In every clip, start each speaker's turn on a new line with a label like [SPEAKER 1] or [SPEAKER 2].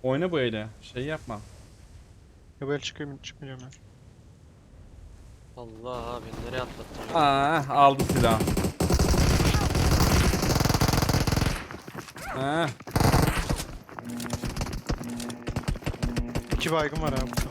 [SPEAKER 1] Oyna bu ele. Şey yapma.
[SPEAKER 2] Ya böyle çıkmayacağım ya.
[SPEAKER 3] Allah abi nereye atlattın?
[SPEAKER 1] Aldı silah. Ha.
[SPEAKER 2] 2 baygın var abi.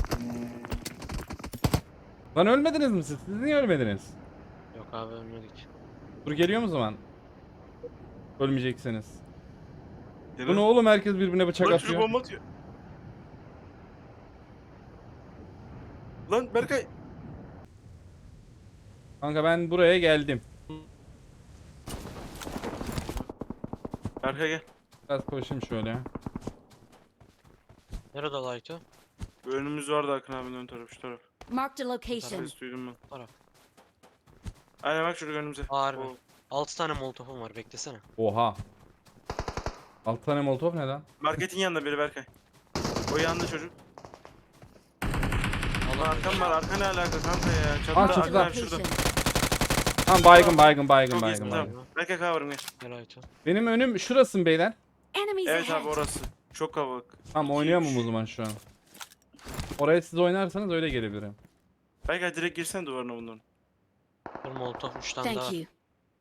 [SPEAKER 1] Lan ölmediniz mi siz? Siz niye ölmediniz?
[SPEAKER 3] Yok abi ölmedik.
[SPEAKER 1] Dur geliyor mu zaman? Ölmeyeceksiniz.
[SPEAKER 4] Gel
[SPEAKER 1] Bu ne
[SPEAKER 4] lan.
[SPEAKER 1] oğlum, herkes birbirine bıçak
[SPEAKER 4] Lan çocuk
[SPEAKER 1] atıyor.
[SPEAKER 4] bomba atıyor. Lan Berkay.
[SPEAKER 1] Kanka ben buraya geldim.
[SPEAKER 4] Berkay gel.
[SPEAKER 1] Biraz koşayım şöyle.
[SPEAKER 3] Nerede Light'ı?
[SPEAKER 4] Önümüz vardı Akın abinin ön tarafı şu taraf.
[SPEAKER 5] Marked a location.
[SPEAKER 4] Ses duydum ben.
[SPEAKER 3] Taraf.
[SPEAKER 4] Aynen bak çocuk önümüze.
[SPEAKER 3] Harbi.
[SPEAKER 4] Oo.
[SPEAKER 3] 6 tane molotofum var beklesene.
[SPEAKER 1] Oha. 6 tane molotof ne lan?
[SPEAKER 4] Marketin yanında biri Berkay. O yanında çocuk. Lan
[SPEAKER 3] Allah
[SPEAKER 4] arkam var. Arka ne alaka kanka ya? Çatıda
[SPEAKER 1] Aa,
[SPEAKER 4] Akın
[SPEAKER 1] çatıda.
[SPEAKER 4] abi şurada.
[SPEAKER 5] Location.
[SPEAKER 1] Tamam, baygın
[SPEAKER 4] Çok iyisin tamam.
[SPEAKER 1] baygın.
[SPEAKER 4] Berkay cover'ım gel.
[SPEAKER 3] Gel Light'ı.
[SPEAKER 1] Benim önüm şurası mı beyler?
[SPEAKER 5] Enemies
[SPEAKER 4] Evet abi
[SPEAKER 5] ahead.
[SPEAKER 4] orası. Çok kalabalık.
[SPEAKER 1] Tamam,
[SPEAKER 4] İki,
[SPEAKER 1] oynayamam
[SPEAKER 4] üç.
[SPEAKER 1] o zaman şu an. Oraya siz oynarsanız öyle gelebilirim.
[SPEAKER 4] Berkay direkt girsen duvarına bunların.
[SPEAKER 3] Bir molotof 3 tane daha.
[SPEAKER 5] Thank you.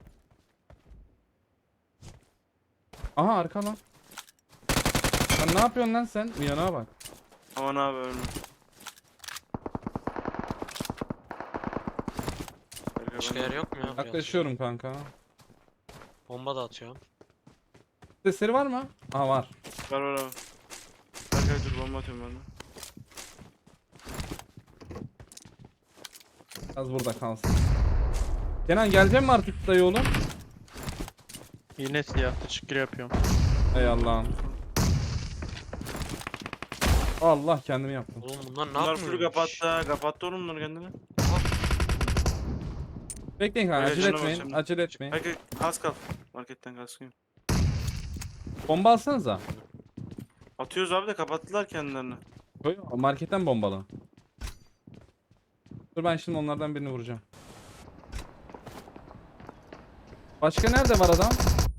[SPEAKER 1] Aha, arka lan. Lan ne yapıyorsun lan sen? Uyana bak.
[SPEAKER 4] Aman abi ölme. Berkay,
[SPEAKER 3] Başka
[SPEAKER 4] ben-
[SPEAKER 3] yer yok mu ya? buraya
[SPEAKER 1] Yaklaşıyorum kanka.
[SPEAKER 3] atacağım? Bomba da atıyorum.
[SPEAKER 1] Sesleri var mı? Aha, var.
[SPEAKER 4] Var var abi. Berkay dur bomba atıyorum ben de.
[SPEAKER 1] Az burada kalsın. Kenan gelecek mi artık dayı oğlum?
[SPEAKER 2] Yine siyahta çıkır yapıyorum.
[SPEAKER 1] Ey Allah'ım. Allah, kendimi yaptım.
[SPEAKER 3] Oğlum bunlar ne
[SPEAKER 4] Bunlar
[SPEAKER 3] yapıyor?
[SPEAKER 4] full kapattı. Kapattı oğlum bunlar kendini.
[SPEAKER 1] Bekleyin kanka,
[SPEAKER 4] Öyle
[SPEAKER 1] acele
[SPEAKER 4] canım
[SPEAKER 1] etmeyin.
[SPEAKER 4] olsun.
[SPEAKER 1] Acele etmeyin.
[SPEAKER 4] Berkay kask al. Marketten kaskıyım.
[SPEAKER 1] Bomba alsanıza.
[SPEAKER 4] Atıyoruz abi de kapattılar kendilerini.
[SPEAKER 1] Koy, marketten bombalı. Dur, ben şimdi onlardan birini vuracağım. Başka nerede var adam?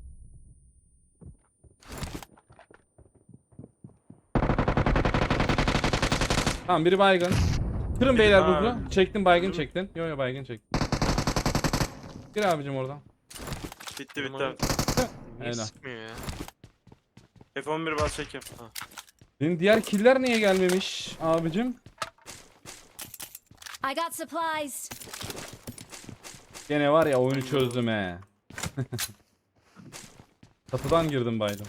[SPEAKER 1] Tamam, biri baygın. Kırın beyler
[SPEAKER 4] Ha.
[SPEAKER 1] buzu. Çektin, baygın
[SPEAKER 4] Hı.
[SPEAKER 1] çektin. Yo yo, baygın çektin. Gir abicim oradan.
[SPEAKER 4] Bitti bitti
[SPEAKER 3] Bunlar-
[SPEAKER 4] abi.
[SPEAKER 3] Niye
[SPEAKER 1] Helal.
[SPEAKER 3] sıkmıyor ya?
[SPEAKER 4] F11 bas çek yap.
[SPEAKER 1] Benim diğer killer niye gelmemiş abicim?
[SPEAKER 5] I got supplies.
[SPEAKER 1] Gene var ya, oyunu çözdüm he. Kapıdan girdim baydım.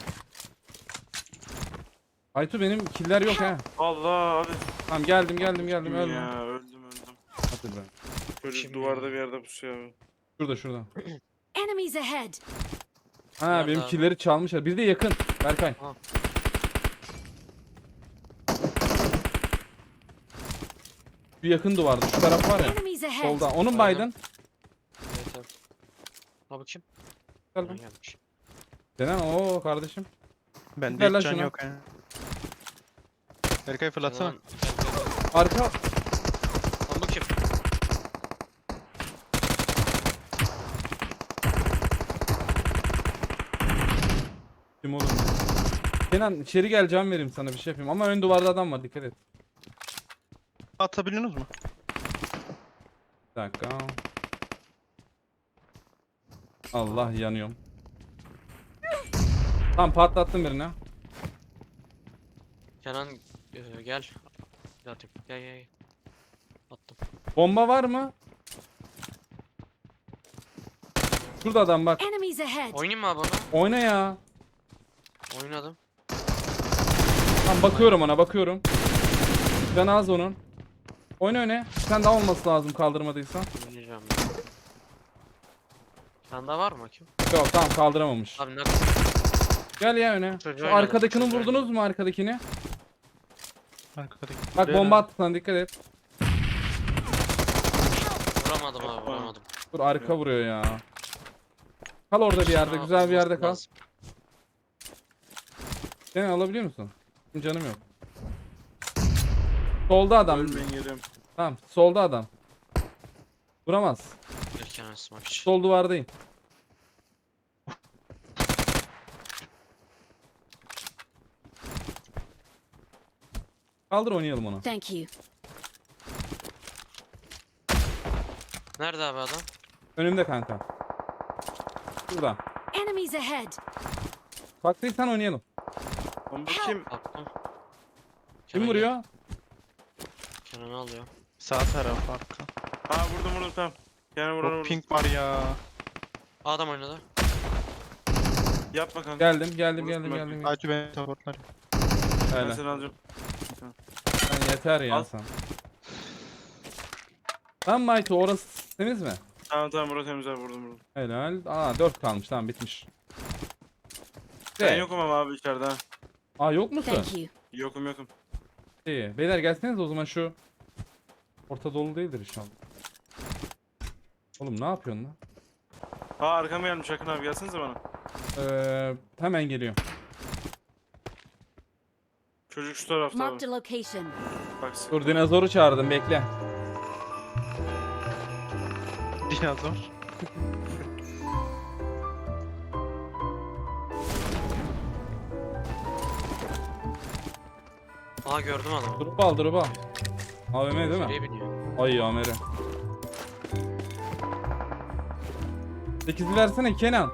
[SPEAKER 1] Aytu, benim killer yok ha.
[SPEAKER 4] Allah abi.
[SPEAKER 1] Tamam, geldim ölme.
[SPEAKER 4] Ya öldüm.
[SPEAKER 1] Hadi be.
[SPEAKER 4] Çocuk
[SPEAKER 3] Kim
[SPEAKER 4] duvarda
[SPEAKER 3] ya?
[SPEAKER 4] bir yerde pusuyor abi.
[SPEAKER 1] Şurada.
[SPEAKER 5] Enemies ahead.
[SPEAKER 1] Ha,
[SPEAKER 3] Nerede
[SPEAKER 1] benim
[SPEAKER 3] abi?
[SPEAKER 1] killeri çalmışlar. Bir de yakın. Berkay.
[SPEAKER 3] Ha.
[SPEAKER 1] Şu yakın duvarda. Şu taraf var ya.
[SPEAKER 5] Enemies ahead.
[SPEAKER 1] Solda. Onun
[SPEAKER 3] Aynen.
[SPEAKER 1] baydın.
[SPEAKER 3] Evet abi. Ha bakayım.
[SPEAKER 1] Gel
[SPEAKER 3] Ha,
[SPEAKER 1] lan.
[SPEAKER 3] gelmiş.
[SPEAKER 1] Kenan, ooo kardeşim.
[SPEAKER 2] Bende
[SPEAKER 1] Ver lan
[SPEAKER 2] hiç can
[SPEAKER 1] şunu.
[SPEAKER 2] yok ha. Berkay fırlatsana.
[SPEAKER 3] Lan, gel.
[SPEAKER 1] Arka.
[SPEAKER 3] Lan bu kim?
[SPEAKER 1] Kim oğlum? Kenan, içeri gel, can vereyim sana, bir şey yapayım. Ama ön duvarda adam var, dikkat et.
[SPEAKER 2] Atabiliyorsunuz mu?
[SPEAKER 1] Bir dakika. Allah, yanıyorum. Tamam, patlattım birini.
[SPEAKER 3] Kenan gel. Bir atayım. Gel. Attım.
[SPEAKER 1] Bomba var mı? Şurada adam bak.
[SPEAKER 5] Enemies ahead.
[SPEAKER 3] Oynayayım mı abi ona?
[SPEAKER 1] Oyna ya.
[SPEAKER 3] Oynadım.
[SPEAKER 1] Tamam, bakıyorum ona, bakıyorum. Canı az onun. Oyna öne. Sen daha olması lazım kaldırmadıysan.
[SPEAKER 3] Oynayacağım ya. Sen daha var mı kim?
[SPEAKER 1] Yok, tamam, kaldıramamış.
[SPEAKER 3] Abi ne
[SPEAKER 1] Gel ya öne.
[SPEAKER 3] Çocuğu
[SPEAKER 1] Şu
[SPEAKER 3] oynadım,
[SPEAKER 1] arkadakini
[SPEAKER 3] çocuğu
[SPEAKER 1] vurdunuz
[SPEAKER 3] oynadım.
[SPEAKER 1] mu, arkadakini?
[SPEAKER 2] Arkadaki.
[SPEAKER 1] Bak, bomba attı sana, dikkat et.
[SPEAKER 3] Vuramadım abi vuramadım.
[SPEAKER 1] Dur, arka vuruyor ya. Kal orada bir yerde,
[SPEAKER 3] Sana
[SPEAKER 1] güzel bir yerde
[SPEAKER 3] vurması
[SPEAKER 1] kal.
[SPEAKER 3] lazım.
[SPEAKER 1] Seni alabiliyor musun? Benim canım yok. Solda adam.
[SPEAKER 4] Ölmeyin geliyorum.
[SPEAKER 1] Tamam, solda adam. Vuramaz.
[SPEAKER 3] Bir Kenan smoke için.
[SPEAKER 1] Sol duvardayım. Kaldır oynayalım onu.
[SPEAKER 5] Thank you.
[SPEAKER 3] Nerede abi adam?
[SPEAKER 1] Önümde kanka. Burada.
[SPEAKER 5] Enemies ahead.
[SPEAKER 1] Baktıysan oynayalım.
[SPEAKER 4] Lan bu kim?
[SPEAKER 3] Baktım.
[SPEAKER 1] Kim
[SPEAKER 3] Kenan
[SPEAKER 1] vuruyor?
[SPEAKER 3] gel. Kenan'ı alıyor.
[SPEAKER 2] Sağ taraf arka.
[SPEAKER 4] Ha vurdum tamam. Yani vuranı
[SPEAKER 2] Çok
[SPEAKER 4] vurdum.
[SPEAKER 2] pink var ya.
[SPEAKER 3] Adam oynadı.
[SPEAKER 4] Yapma kanka.
[SPEAKER 1] Geldim.
[SPEAKER 2] Hacı beni supportlar.
[SPEAKER 4] Ben
[SPEAKER 1] Öyle.
[SPEAKER 4] seni alacağım.
[SPEAKER 1] Sen yeter ya
[SPEAKER 4] Al.
[SPEAKER 1] sen. Lan Mighty orası temiz mi?
[SPEAKER 4] Tamam burası temiz abi vurdum.
[SPEAKER 1] Helal. Aa 4 kalmış tamam bitmiş.
[SPEAKER 4] Ben yokum ama abi içeride ha.
[SPEAKER 1] Aa yok musun?
[SPEAKER 5] Thank you.
[SPEAKER 4] Yokum.
[SPEAKER 1] İyi. Beyler gelseniz o zaman şu. Orta dolu değildir inşallah. Oğlum ne yapıyorsun lan?
[SPEAKER 4] Ha arkama gelmiş Akın abi gelsenize bana.
[SPEAKER 1] Hemen geliyor.
[SPEAKER 4] Çocuk şu tarafta abi.
[SPEAKER 5] Marked a location.
[SPEAKER 4] Bak.
[SPEAKER 1] Dur dinozoru çağırdım bekle.
[SPEAKER 2] Dinozor.
[SPEAKER 3] Aa gördüm adamı.
[SPEAKER 1] Drop al. AVM değil mi?
[SPEAKER 3] Nereye biniyor?
[SPEAKER 1] Ay AMR. 8'i versene Kenan.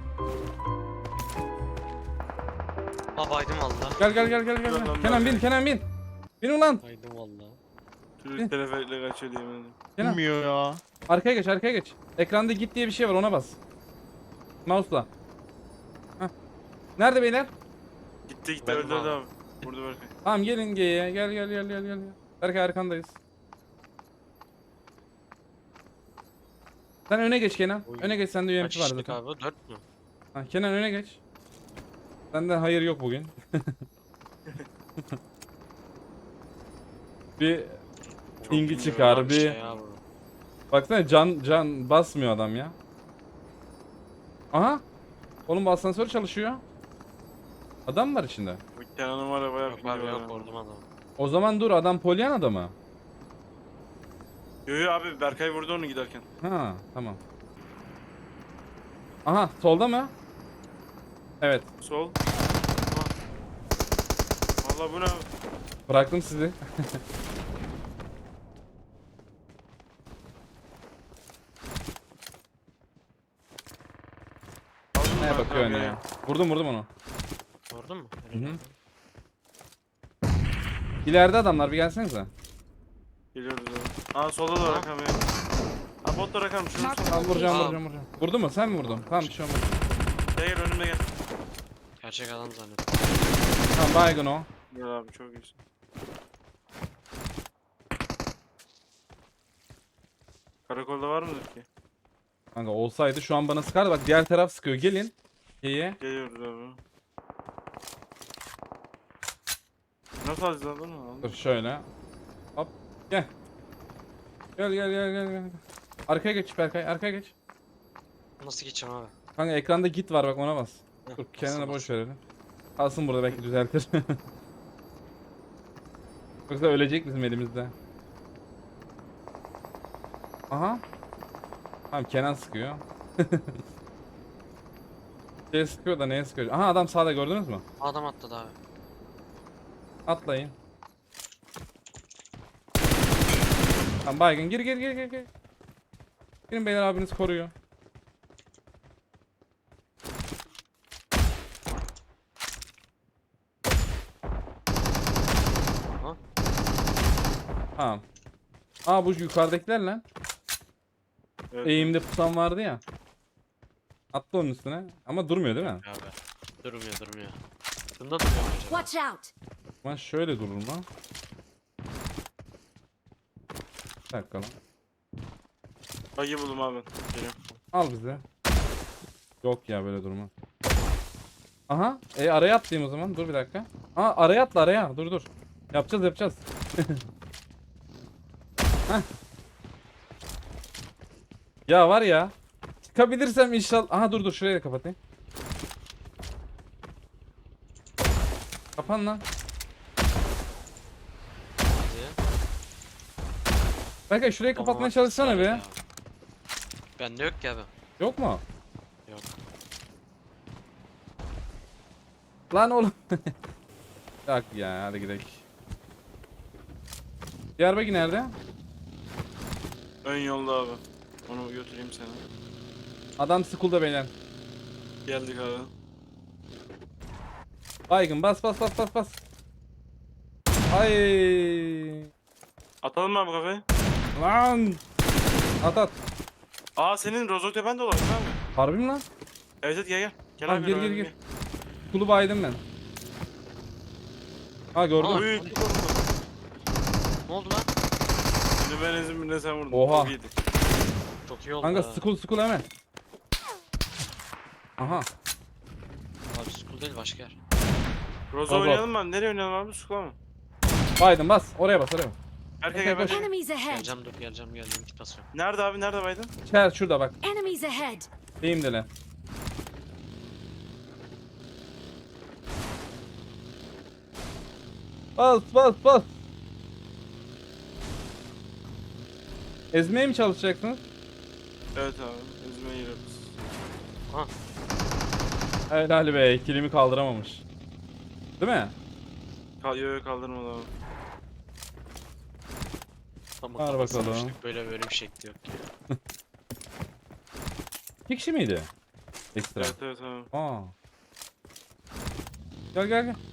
[SPEAKER 3] Aa baydım valla.
[SPEAKER 1] Gel.
[SPEAKER 4] Lan,
[SPEAKER 1] Kenan
[SPEAKER 4] ben-
[SPEAKER 1] bin. Bin ulan.
[SPEAKER 3] Baydım valla.
[SPEAKER 4] Çocuk teleferikle kaçıyor diye ben.
[SPEAKER 1] Kenan.
[SPEAKER 2] Bilmiyor ya.
[SPEAKER 1] Arkaya geç. Ekranda git diye bir şey var ona bas. Mouse'la. Heh. Nerede beyler?
[SPEAKER 4] Gitti
[SPEAKER 3] Ben
[SPEAKER 4] öldürdü
[SPEAKER 3] abi.
[SPEAKER 4] abi. Vurdu Berkay.
[SPEAKER 1] Tamam gelin G'ye. Gel. Berkay arkandayız. Sen öne geç Kenan.
[SPEAKER 3] Oy.
[SPEAKER 1] Öne geç sende
[SPEAKER 3] Kaç
[SPEAKER 1] UMP var
[SPEAKER 3] kişilik
[SPEAKER 1] zaten.
[SPEAKER 3] abi? 4 mü?
[SPEAKER 1] Ha, Kenan öne geç. Senden hayır yok bugün. Bir
[SPEAKER 4] Çok
[SPEAKER 1] pingi
[SPEAKER 4] iyi
[SPEAKER 1] çıkar
[SPEAKER 3] Abi
[SPEAKER 1] bir.
[SPEAKER 3] şey ya bu.
[SPEAKER 1] Baksana can basmıyor adam ya. Aha. Oğlum bu asansör çalışıyor. Adam mı var içinde?
[SPEAKER 4] Bu Kenan'ın var ya bayağı
[SPEAKER 3] Yok
[SPEAKER 4] pingi
[SPEAKER 3] abi
[SPEAKER 4] var
[SPEAKER 3] yok
[SPEAKER 4] ya.
[SPEAKER 3] vurdum adamı.
[SPEAKER 1] O zaman dur adam Polyana'da mı?
[SPEAKER 4] Yo abi Berkay vurdu onu giderken.
[SPEAKER 1] Ha tamam. Aha solda mı? Evet.
[SPEAKER 4] Sol. Valla bu ne abi?
[SPEAKER 1] Bıraktım sizi.
[SPEAKER 4] Aldın mı
[SPEAKER 1] Neye
[SPEAKER 4] Berkay
[SPEAKER 1] bakıyorsun
[SPEAKER 4] abi
[SPEAKER 1] ya? Vurdum onu.
[SPEAKER 3] Vurdun mu?
[SPEAKER 1] Hı hı. İleride adamlar bir gelsenize.
[SPEAKER 4] Geliyoruz abi. Aa solda da rakam ya. Ha bot da rakam. Şunu
[SPEAKER 5] Mark-
[SPEAKER 4] sol.
[SPEAKER 1] Tamam vuracağım.
[SPEAKER 3] Aa.
[SPEAKER 1] Vurdu mu? Sen mi vurdun? Tamam bir şey olmaz.
[SPEAKER 4] Gel önümde gel.
[SPEAKER 3] Gerçek adam zannettim.
[SPEAKER 1] Tamam baygın o.
[SPEAKER 4] Gel abi çok iyisin. Karakolda var mıdır ki?
[SPEAKER 1] Kanka olsaydı şu an bana sıkardı. Bak diğer taraf sıkıyor. Gelin. İyi.
[SPEAKER 4] Geliyoruz abi. Nasıl alacağız aldın mı?
[SPEAKER 1] Dur şöyle. Hop. Gel. Gel. Arkaya geç Berkay. Arkaya geç.
[SPEAKER 3] Nasıl geçeceğim abi?
[SPEAKER 1] Kanka ekranda git var bak ona bas.
[SPEAKER 3] Heh,
[SPEAKER 1] Dur
[SPEAKER 3] nasıl
[SPEAKER 1] Kenan'a boş
[SPEAKER 3] bas?
[SPEAKER 1] verelim. Kalsın burada belki düzeltir. Yoksa ölecek bizim elimizde. Aha. Tamam Kenan sıkıyor. Şey sıkıyor da neye sıkıyor? Aha adam sağda gördünüz mü?
[SPEAKER 3] Adam atladı abi.
[SPEAKER 1] Atlayın. Tamam baygın gir. Girin beyler abiniz koruyor.
[SPEAKER 3] Aha.
[SPEAKER 1] Tamam. Aa bu yukarıdakiler lan.
[SPEAKER 4] Evet.
[SPEAKER 1] Eğimde pusan vardı ya. Attı onun üstüne. Ama durmuyor değil mi?
[SPEAKER 3] Abi. Durmuyor. Bunda duruyor mu acaba?
[SPEAKER 5] Watch out.
[SPEAKER 1] Ama şöyle durur mu? Bir dakika lan.
[SPEAKER 4] Bayı buldum abi. Geliyorum.
[SPEAKER 1] Al bize. Yok ya böyle durma. Aha. Araya atlayayım o zaman. Dur bir dakika. Aa araya atla araya. Dur. Yapacağız. Heh. Ya var ya. Çıkabilirsem inşallah. Aha dur şurayı da kapatayım. Kapan lan.
[SPEAKER 3] Hadi.
[SPEAKER 1] Belki şurayı kapatmaya
[SPEAKER 3] Bomba
[SPEAKER 1] çalışsana
[SPEAKER 3] ısrar
[SPEAKER 1] be.
[SPEAKER 3] ya. Bende yok ki abi.
[SPEAKER 1] Yok mu?
[SPEAKER 3] Yok.
[SPEAKER 1] Lan oğlum. Yok ya hadi gidelim. Diğer bagi nerede?
[SPEAKER 4] Ön yolda abi. Onu götüreyim seni.
[SPEAKER 1] Adam school'da beyler.
[SPEAKER 4] Geldik abi.
[SPEAKER 1] Baygın bas bas bas bas bas. Ay.
[SPEAKER 4] Atalım mı abi kafayı?
[SPEAKER 1] Lan. At at.
[SPEAKER 4] Aa senin Rozoktepen de olabilir abi.
[SPEAKER 1] Harbi mi lan?
[SPEAKER 4] Evet evet gel. Gel
[SPEAKER 1] Tamam,
[SPEAKER 4] abi.
[SPEAKER 1] gir,
[SPEAKER 4] oynayalım,
[SPEAKER 1] gir, gir. School'u baydım ben. Ha gördüm.
[SPEAKER 3] Aa.
[SPEAKER 4] Uy.
[SPEAKER 3] Ne oldu lan?
[SPEAKER 4] Şimdi ben ezim birine sen vurdun.
[SPEAKER 1] Oha.
[SPEAKER 4] Çok iyiydi.
[SPEAKER 3] Çok iyi oldu.
[SPEAKER 1] Kanka
[SPEAKER 3] ha.
[SPEAKER 1] school hemen. Aha.
[SPEAKER 3] Abi school değil başka yer.
[SPEAKER 4] Rozo
[SPEAKER 1] Al, al.
[SPEAKER 4] oynayalım mı? Nereye oynayalım abi? Sukla mı?
[SPEAKER 1] Baydım bas. Oraya bas oraya bas.
[SPEAKER 4] Berkay gel
[SPEAKER 1] Koş.
[SPEAKER 4] Berkay.
[SPEAKER 5] Enemies ahead.
[SPEAKER 3] Geleceğim dur geleceğim git basıyorum.
[SPEAKER 4] Nerede abi? Nerede baydın?
[SPEAKER 1] Şer şurada bak.
[SPEAKER 5] Enemies ahead.
[SPEAKER 1] Deyim dele. Bas bas bas. Ezmeye mi çalışacaksınız?
[SPEAKER 4] Evet abi. Ezmeye giriyoruz.
[SPEAKER 3] Ha.
[SPEAKER 1] Helal be, kilimi kaldıramamış. Değil mi?
[SPEAKER 4] Yo kaldırmadı abi.
[SPEAKER 3] Ama
[SPEAKER 1] Ver
[SPEAKER 3] kafasına
[SPEAKER 1] bakalım.
[SPEAKER 3] düştük, böyle bir şekli yok ya.
[SPEAKER 1] 2 kişi miydi? Ekstra.
[SPEAKER 4] Evet evet abi.
[SPEAKER 1] Aa. Gel gel gel.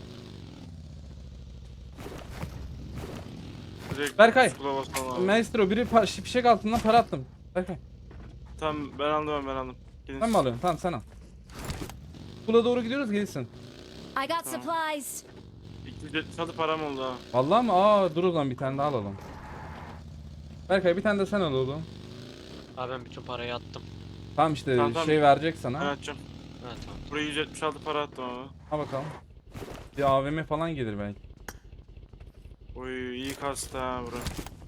[SPEAKER 4] Direkt
[SPEAKER 1] Berkay.
[SPEAKER 4] Sukla basalım abi.
[SPEAKER 1] Maestro biri fişek altından para attım. Berkay.
[SPEAKER 4] Tamam ben aldım. Gelin.
[SPEAKER 1] Sen mi alıyorsun? Tamam sen al. Kula doğru gidiyoruz gelirsin.
[SPEAKER 5] I got supplies.
[SPEAKER 4] 276 param oldu ha.
[SPEAKER 1] Vallahi mi? Aa dur o zaman bir tane daha alalım. Berkay bir tane de sen al oğlum.
[SPEAKER 3] Abi ben bütün parayı attım.
[SPEAKER 1] Tamam işte
[SPEAKER 4] Tamam.
[SPEAKER 1] şey verecek
[SPEAKER 4] Ben
[SPEAKER 1] sana.
[SPEAKER 4] atacağım.
[SPEAKER 3] Ha tamam.
[SPEAKER 4] Buraya 176 para attım abi.
[SPEAKER 1] Ha bakalım. Bir AVM falan gelir belki.
[SPEAKER 4] Oy iyi kastı ha bura.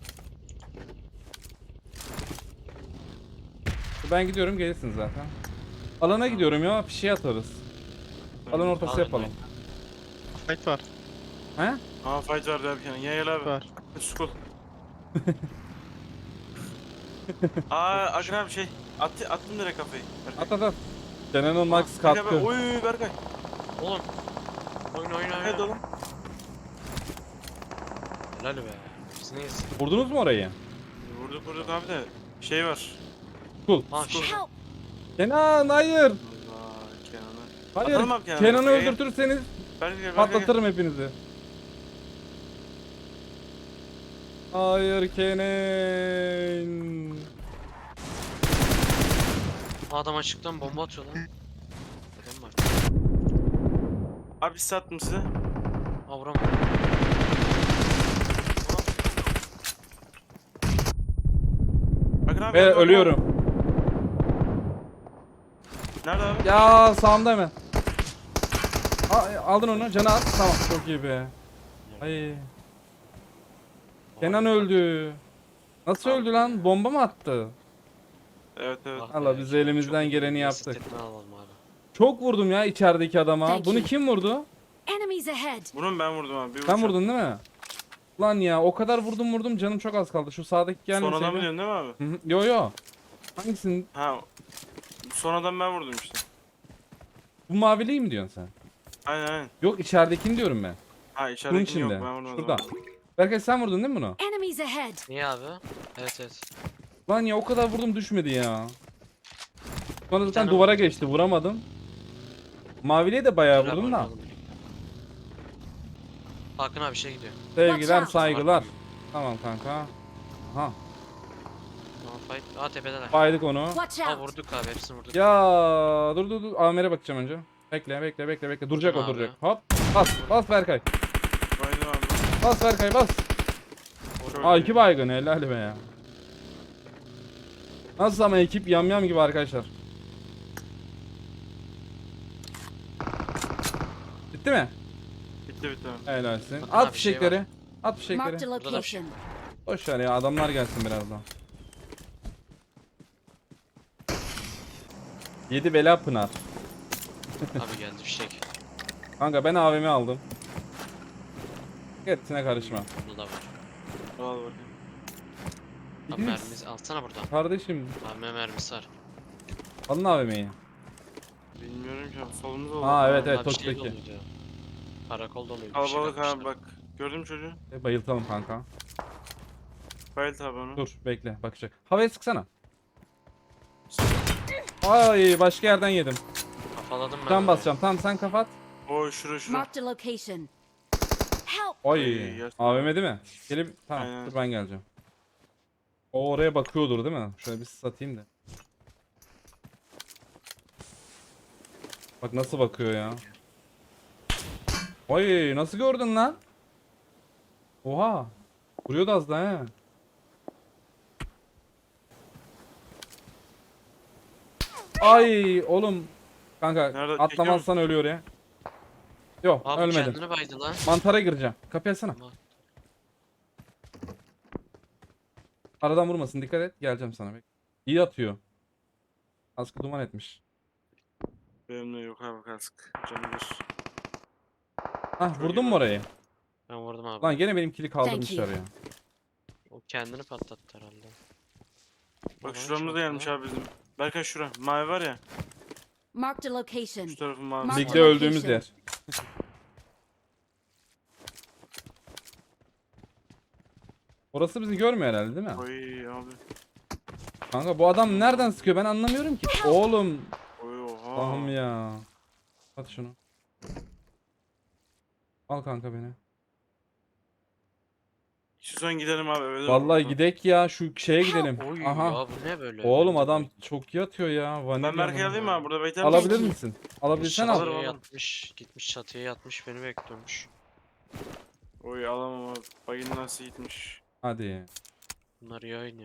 [SPEAKER 1] Ben gidiyorum gelirsin zaten. Alana gidiyorum ya bir şey atarız. Alan ortası
[SPEAKER 3] Alın,
[SPEAKER 1] yapalım.
[SPEAKER 2] Fight var.
[SPEAKER 1] He?
[SPEAKER 4] Aa fight var derken. Gel abi.
[SPEAKER 2] Var.
[SPEAKER 4] Skol. Aa Akın abi şey. Attım direkt kafayı. Berkay.
[SPEAKER 1] At at at. Kenan'ın max
[SPEAKER 4] Berkay,
[SPEAKER 1] katkı.
[SPEAKER 4] Oy Berkay.
[SPEAKER 3] Oğlum. Oyun.
[SPEAKER 4] Evet oğlum.
[SPEAKER 3] Helal be. Biz neyiz?
[SPEAKER 1] Vurdunuz mu orayı?
[SPEAKER 4] Vurduk abi de. Şey var.
[SPEAKER 1] Cool.
[SPEAKER 3] Ha şey.
[SPEAKER 5] Help.
[SPEAKER 1] Kenan hayır.
[SPEAKER 4] Allah Kenan'ı.
[SPEAKER 1] Hayır.
[SPEAKER 4] Atalım abi Kenan'ı.
[SPEAKER 1] Kenan'ı
[SPEAKER 4] Berkay, gel.
[SPEAKER 1] öldürtürseniz
[SPEAKER 4] Berkay gel.
[SPEAKER 1] patlatırım hepinizi. Hayır Kenan.
[SPEAKER 3] Adam açıktan bomba atıyor lan. Adam var.
[SPEAKER 4] Abi size attım size.
[SPEAKER 3] Aa vuramadım.
[SPEAKER 4] Akın abi.
[SPEAKER 1] Ve
[SPEAKER 4] gel, Akın abi.
[SPEAKER 1] ölüyorum.
[SPEAKER 4] Nerede abi?
[SPEAKER 1] Ya sağımda hemen. Aldın onu canı at. Tamam çok iyi be. Ay. Kenan öldü. Nasıl öldü lan? Bomba mı attı?
[SPEAKER 4] Evet evet.
[SPEAKER 3] Ah
[SPEAKER 1] Allah
[SPEAKER 3] be,
[SPEAKER 1] biz
[SPEAKER 3] çok-
[SPEAKER 1] elimizden
[SPEAKER 3] çok
[SPEAKER 1] geleni
[SPEAKER 3] iyi.
[SPEAKER 1] yaptık.
[SPEAKER 3] Asistini alalım abi.
[SPEAKER 1] Çok vurdum ya içerideki adama.
[SPEAKER 5] Thank
[SPEAKER 1] Bunu
[SPEAKER 5] you.
[SPEAKER 1] kim vurdu?
[SPEAKER 5] Enemies ahead.
[SPEAKER 4] Bunu ben vurdum abi. Bir
[SPEAKER 1] Sen
[SPEAKER 4] uçak.
[SPEAKER 1] vurdun değil mi? Lan ya o kadar vurdum canım çok az kaldı. Şu sağdaki gelmeseydi.
[SPEAKER 4] Son adamı diyorsun değil mi abi?
[SPEAKER 1] Hı hı. Yo yo. Hangisinin?
[SPEAKER 4] Ha. Son adam ben vurdum işte.
[SPEAKER 1] Bu maviliği mi diyorsun sen?
[SPEAKER 4] Aynen.
[SPEAKER 1] Yok içeridekini diyorum ben.
[SPEAKER 4] Ha
[SPEAKER 1] Bunun
[SPEAKER 4] içeridekini yok
[SPEAKER 1] içinde.
[SPEAKER 4] ben vurdum. o
[SPEAKER 1] Şurada.
[SPEAKER 4] zaman.
[SPEAKER 1] Berkay sen vurdun değil mi bunu?
[SPEAKER 5] Enemies ahead.
[SPEAKER 3] Niye abi? Evet.
[SPEAKER 1] Lan ya o kadar vurdum düşmedi ya. Sonra zaten
[SPEAKER 3] tane
[SPEAKER 1] duvara
[SPEAKER 3] vurdum.
[SPEAKER 1] geçti vuramadım. Maviliğe de bayağı
[SPEAKER 3] Beraber
[SPEAKER 1] vurdum da.
[SPEAKER 3] oynayalım birlikte. Hakan abi şey gidiyor.
[SPEAKER 1] Sevgiler
[SPEAKER 5] Watch out.
[SPEAKER 1] saygılar. Tamam kanka. Aha
[SPEAKER 3] Tamam fight. Aa tepedeler.
[SPEAKER 1] baydık onu.
[SPEAKER 5] Watch
[SPEAKER 3] Aa
[SPEAKER 1] Ah,
[SPEAKER 5] out.
[SPEAKER 3] vurduk abi hepsini vurduk.
[SPEAKER 1] Ya dur. Amer'e bakacağım önce. Bekle. Duracak o
[SPEAKER 3] Abi.
[SPEAKER 1] duracak. Hop. Bas Berkay.
[SPEAKER 4] Baydım abi.
[SPEAKER 1] Bas Berkay bas.
[SPEAKER 4] Çok
[SPEAKER 1] Aa
[SPEAKER 4] iyi.
[SPEAKER 1] 2 baygın helal be ya. Nasıl ama ekip yamyam gibi arkadaşlar. Bitti mi?
[SPEAKER 4] Bitti.
[SPEAKER 1] Helalsin.
[SPEAKER 3] Bakın
[SPEAKER 1] At
[SPEAKER 3] abi, şey
[SPEAKER 1] fişekleri.
[SPEAKER 3] var.
[SPEAKER 1] At fişekleri.
[SPEAKER 5] Marked a location.
[SPEAKER 1] Boş ver ya adamlar gelsin birazdan. 7 bela pınar.
[SPEAKER 3] Abi geldi fişek.
[SPEAKER 1] Kanka ben AVM aldım. Hepsine karışma.
[SPEAKER 3] Bunda da var.
[SPEAKER 4] Al bakayım.
[SPEAKER 3] Abi
[SPEAKER 1] İkiniz-
[SPEAKER 3] mermimizi alsana buradan.
[SPEAKER 1] Kardeşim
[SPEAKER 3] Abi mermisi var.
[SPEAKER 1] alın AVM'yi.
[SPEAKER 4] Bilmiyorum ki abi. Solumuz oldu.
[SPEAKER 1] Aa, evet,
[SPEAKER 3] Abi şey
[SPEAKER 1] Tokyo'daki.
[SPEAKER 3] doluydu. Karakol doluydu.
[SPEAKER 4] Kalabalık
[SPEAKER 3] fişek
[SPEAKER 4] abi bak. Gördün mü çocuğu?
[SPEAKER 1] Bayıltalım kanka.
[SPEAKER 4] Bayıl tabi onu.
[SPEAKER 1] Dur bekle bakacak. Havaya sıksana. Ay başka yerden yedim.
[SPEAKER 3] Kafaladım ben.
[SPEAKER 1] Can
[SPEAKER 3] orayı.
[SPEAKER 1] basacağım. Tamam sen kapat.
[SPEAKER 4] Oy şura.
[SPEAKER 5] Marked a location. Help!
[SPEAKER 1] Ay
[SPEAKER 4] yersin.
[SPEAKER 1] AVM değil mi? Gelip tamam
[SPEAKER 4] Aynen.
[SPEAKER 1] dur ben geleceğim. O oraya bakıyordur değil mi? Şöyle bir satayım da. Bak nasıl bakıyor ya. Ay nasıl gördün lan? Oha. Vuruyordu az daha he. Ay oğlum. Kanka
[SPEAKER 4] Nerede?
[SPEAKER 1] atlamazsan ölüyor ya. Yok
[SPEAKER 3] Abi
[SPEAKER 1] ölmedim.
[SPEAKER 3] kendini baydı lan.
[SPEAKER 1] Mantara gireceğim. Kapıyı açsana.
[SPEAKER 3] Tamam.
[SPEAKER 1] Aradan vurmasın dikkat et. Geleceğim sana. İyi atıyor. Kaskı duman etmiş.
[SPEAKER 4] Benim de yok abi kask. Canı bir.
[SPEAKER 1] Hah
[SPEAKER 4] Çok
[SPEAKER 1] vurdun
[SPEAKER 4] iyi
[SPEAKER 1] mu orayı?
[SPEAKER 3] Ben vurdum abi.
[SPEAKER 1] Lan gene benimkili
[SPEAKER 5] Thank
[SPEAKER 1] kaldırmışlar
[SPEAKER 5] you.
[SPEAKER 1] ya.
[SPEAKER 3] O kendini patlattı herhalde.
[SPEAKER 4] Bak
[SPEAKER 3] Bana
[SPEAKER 4] şuramda
[SPEAKER 3] çok
[SPEAKER 4] da gelmiş
[SPEAKER 3] ya.
[SPEAKER 4] abi bizim. Berkay şura. Mavi var ya.
[SPEAKER 5] Marked a location.
[SPEAKER 4] Şu tarafın mavisi.
[SPEAKER 5] Marked
[SPEAKER 1] Ligde
[SPEAKER 5] a
[SPEAKER 1] öldüğümüz
[SPEAKER 5] location.
[SPEAKER 1] yer. Orası bizi görmüyor herhalde değil mi?
[SPEAKER 4] Oy abi.
[SPEAKER 1] Kanka bu adam nereden sıkıyor ben anlamıyorum ki. Oğlum.
[SPEAKER 4] Oy oha.
[SPEAKER 1] Allah'ım ya. At şunu. Al kanka beni.
[SPEAKER 4] İstiyorsan gidelim abi eve.
[SPEAKER 1] Vallahi gidek ya şu şeye gidelim.
[SPEAKER 3] Oy
[SPEAKER 1] Aha.
[SPEAKER 3] ya bu ne böyle?
[SPEAKER 1] Oğlum
[SPEAKER 3] Bence
[SPEAKER 1] adam
[SPEAKER 3] bu-
[SPEAKER 1] çok iyi atıyor ya. Vanilya
[SPEAKER 4] Ben Berkay'ı
[SPEAKER 1] mı?
[SPEAKER 4] alayım mı abi burada bekler
[SPEAKER 1] Alabilir
[SPEAKER 5] Peki.
[SPEAKER 1] misin? Alabilirsen al.
[SPEAKER 3] Çatıya
[SPEAKER 4] Alırım.
[SPEAKER 3] yatmış. Gitmiş çatıya yatmış beni bekliyormuş.
[SPEAKER 4] Oy alamam abi. Bagin nasıl gitmiş.
[SPEAKER 1] Hadi.
[SPEAKER 3] Bunlar iyi oynuyor.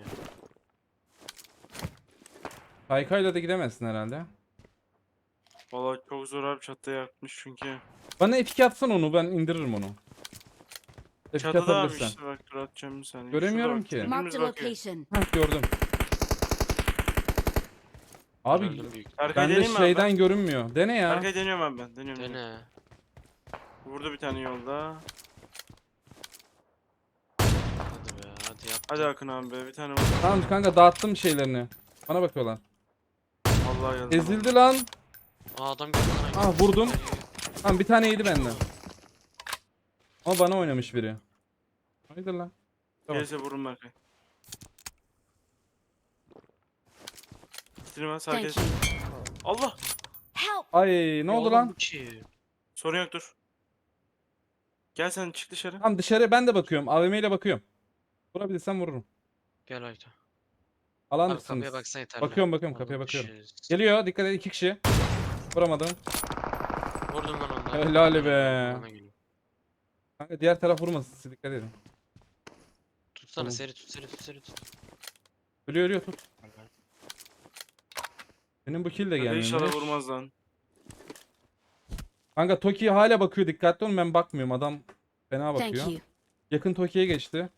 [SPEAKER 1] Kaykayla da gidemezsin herhalde.
[SPEAKER 4] Vallahi çok zor abi çatıya yatmış çünkü.
[SPEAKER 1] Bana F2 atsan onu ben indiririm onu. F2
[SPEAKER 4] Çatıda abi
[SPEAKER 1] atabilirsen.
[SPEAKER 4] işte bak dur atacağım bir saniye.
[SPEAKER 1] Göremiyorum
[SPEAKER 4] Şurada bak,
[SPEAKER 1] ki.
[SPEAKER 5] Marked
[SPEAKER 4] dibimiz
[SPEAKER 5] a
[SPEAKER 4] bakıyor.
[SPEAKER 5] location.
[SPEAKER 1] Heh gördüm. Abi
[SPEAKER 3] Öldüm büyük.
[SPEAKER 4] Berkay
[SPEAKER 1] bende
[SPEAKER 4] deneyeyim mi abi
[SPEAKER 1] şeyden
[SPEAKER 4] ben?
[SPEAKER 1] görünmüyor. Dene ya.
[SPEAKER 4] Berkay deniyorum abi ben. Deniyorum.
[SPEAKER 3] Dene.
[SPEAKER 4] Vurdu bir tane yolda.
[SPEAKER 3] Hadi be hadi yap.
[SPEAKER 4] Hadi Akın abi be bir tane vur.
[SPEAKER 1] Tamam kanka dağıttım şeylerini. Bana bakıyorlar.
[SPEAKER 4] Vallahi geldi.
[SPEAKER 1] Ezildi lan.
[SPEAKER 3] Aa adam geldi lan.
[SPEAKER 1] Ah vurdum. Tamam bir tane yedi benden. Ama bana oynamış biri. Haydi lan. Tamam.
[SPEAKER 4] Gelirse vurun Berkay. Bitirme sağ
[SPEAKER 5] Thank
[SPEAKER 4] kes.
[SPEAKER 5] you.
[SPEAKER 4] Allah.
[SPEAKER 5] Help!
[SPEAKER 1] Ay ne oldu lan?
[SPEAKER 4] Sorun yok dur. Gel sen çık dışarı.
[SPEAKER 1] Tamam dışarı ben de bakıyorum. AVM ile bakıyorum. Vurabilirsem vururum.
[SPEAKER 3] Gel Ayto.
[SPEAKER 1] Alan
[SPEAKER 3] Abi kapıya
[SPEAKER 1] mısınız?
[SPEAKER 3] baksana yeterli.
[SPEAKER 1] Bakıyorum kapıya
[SPEAKER 3] Oğlum,
[SPEAKER 1] bakıyorum.
[SPEAKER 3] şey-
[SPEAKER 1] Geliyor dikkat et 2 kişi. Vuramadım.
[SPEAKER 3] Vurdum lan onları.
[SPEAKER 1] Helal be.
[SPEAKER 3] Bana geliyor.
[SPEAKER 1] Kanka diğer taraf vurmasın siz dikkat edin.
[SPEAKER 3] Tutsana
[SPEAKER 1] Tamam.
[SPEAKER 3] seri tut seri tut seri tut.
[SPEAKER 1] Ölüyor tut. Benim bu kill de
[SPEAKER 4] Hadi
[SPEAKER 1] gelmiyor.
[SPEAKER 4] İnşallah vurmaz lan.
[SPEAKER 1] Kanka Toki hala bakıyor dikkatli olun ben bakmıyorum adam fena
[SPEAKER 5] Thank
[SPEAKER 1] bakıyor.
[SPEAKER 5] you.
[SPEAKER 1] Yakın Toki'ye geçti.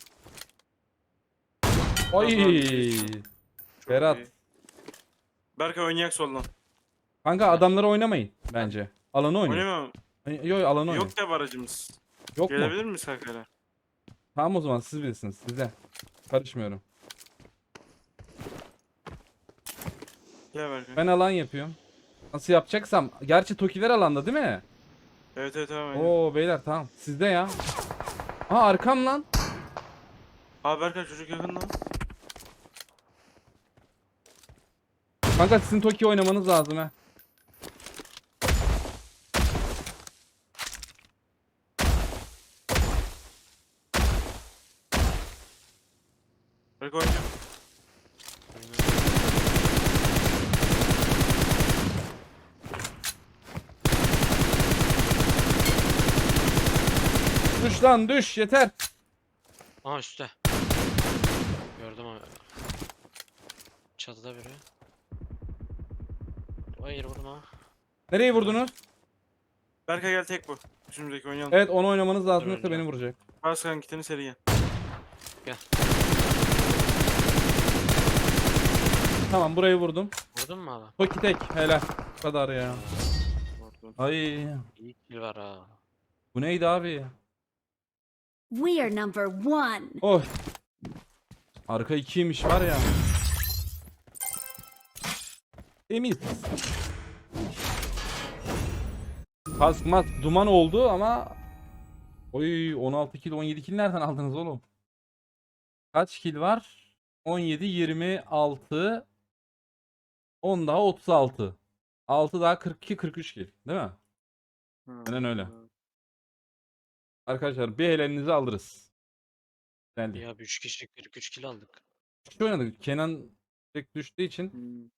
[SPEAKER 4] Tamam,
[SPEAKER 1] Ay
[SPEAKER 4] Çok
[SPEAKER 1] Berat.
[SPEAKER 4] iyi. Berkay oynayak soldan.
[SPEAKER 1] Kanka adamlara oynamayın bence. Alanı oynayın.
[SPEAKER 4] Oynamam.
[SPEAKER 1] Yok alanı oynayın.
[SPEAKER 4] Yok ya aracımız.
[SPEAKER 1] Yok mu?
[SPEAKER 4] Gelebilir miyiz Kaykay'la?
[SPEAKER 1] Tamam o zaman siz bilirsiniz size. Karışmıyorum.
[SPEAKER 4] Gel Berkay.
[SPEAKER 1] Ben alan yapıyorum. Nasıl yapacaksam. Gerçi Tokiler alanda değil mi?
[SPEAKER 4] Evet tamam.
[SPEAKER 1] Oo beyler tamam. Sizde ya. Aa arkam lan.
[SPEAKER 4] Abi Berkay çocuk yakın lan.
[SPEAKER 1] Kanka sizin Toki oynamanız lazım ha.
[SPEAKER 4] Berkay oynayacağım.
[SPEAKER 1] Düş lan düş yeter.
[SPEAKER 3] Aha üstte. Gördüm abi. Çatıda biri. Hayır vurma.
[SPEAKER 1] Nereye vurdunuz?
[SPEAKER 4] Berkay gel tek bu. Üstümüzdeki oynayalım.
[SPEAKER 1] Evet onu oynamanız lazım
[SPEAKER 3] Dur
[SPEAKER 1] yoksa
[SPEAKER 3] önce.
[SPEAKER 1] beni vuracak.
[SPEAKER 4] Baskan kitini seri gel.
[SPEAKER 1] Tamam burayı vurdum.
[SPEAKER 3] Vurdun mu abi?
[SPEAKER 1] Toki tek helal. Bu kadar ya.
[SPEAKER 4] Vurdum.
[SPEAKER 1] Ay
[SPEAKER 3] İyi kill var ha.
[SPEAKER 1] bu neydi abi?
[SPEAKER 5] We are number one.
[SPEAKER 1] Oh. Arka 2'ymiş var ya. Temiz. Kask mask duman oldu ama oy 16 kill 17 kill nereden aldınız oğlum? Kaç kill var? 17, 26, 10 daha 36. 6 daha 42, 43 kill. Değil mi? Aynen öyle. Arkadaşlar bir elinizi alırız. Geldi.
[SPEAKER 3] Ya 3 kişilik 43 kill aldık.
[SPEAKER 1] Şu oynadık. Kenan tek düştüğü için
[SPEAKER 4] Hmm.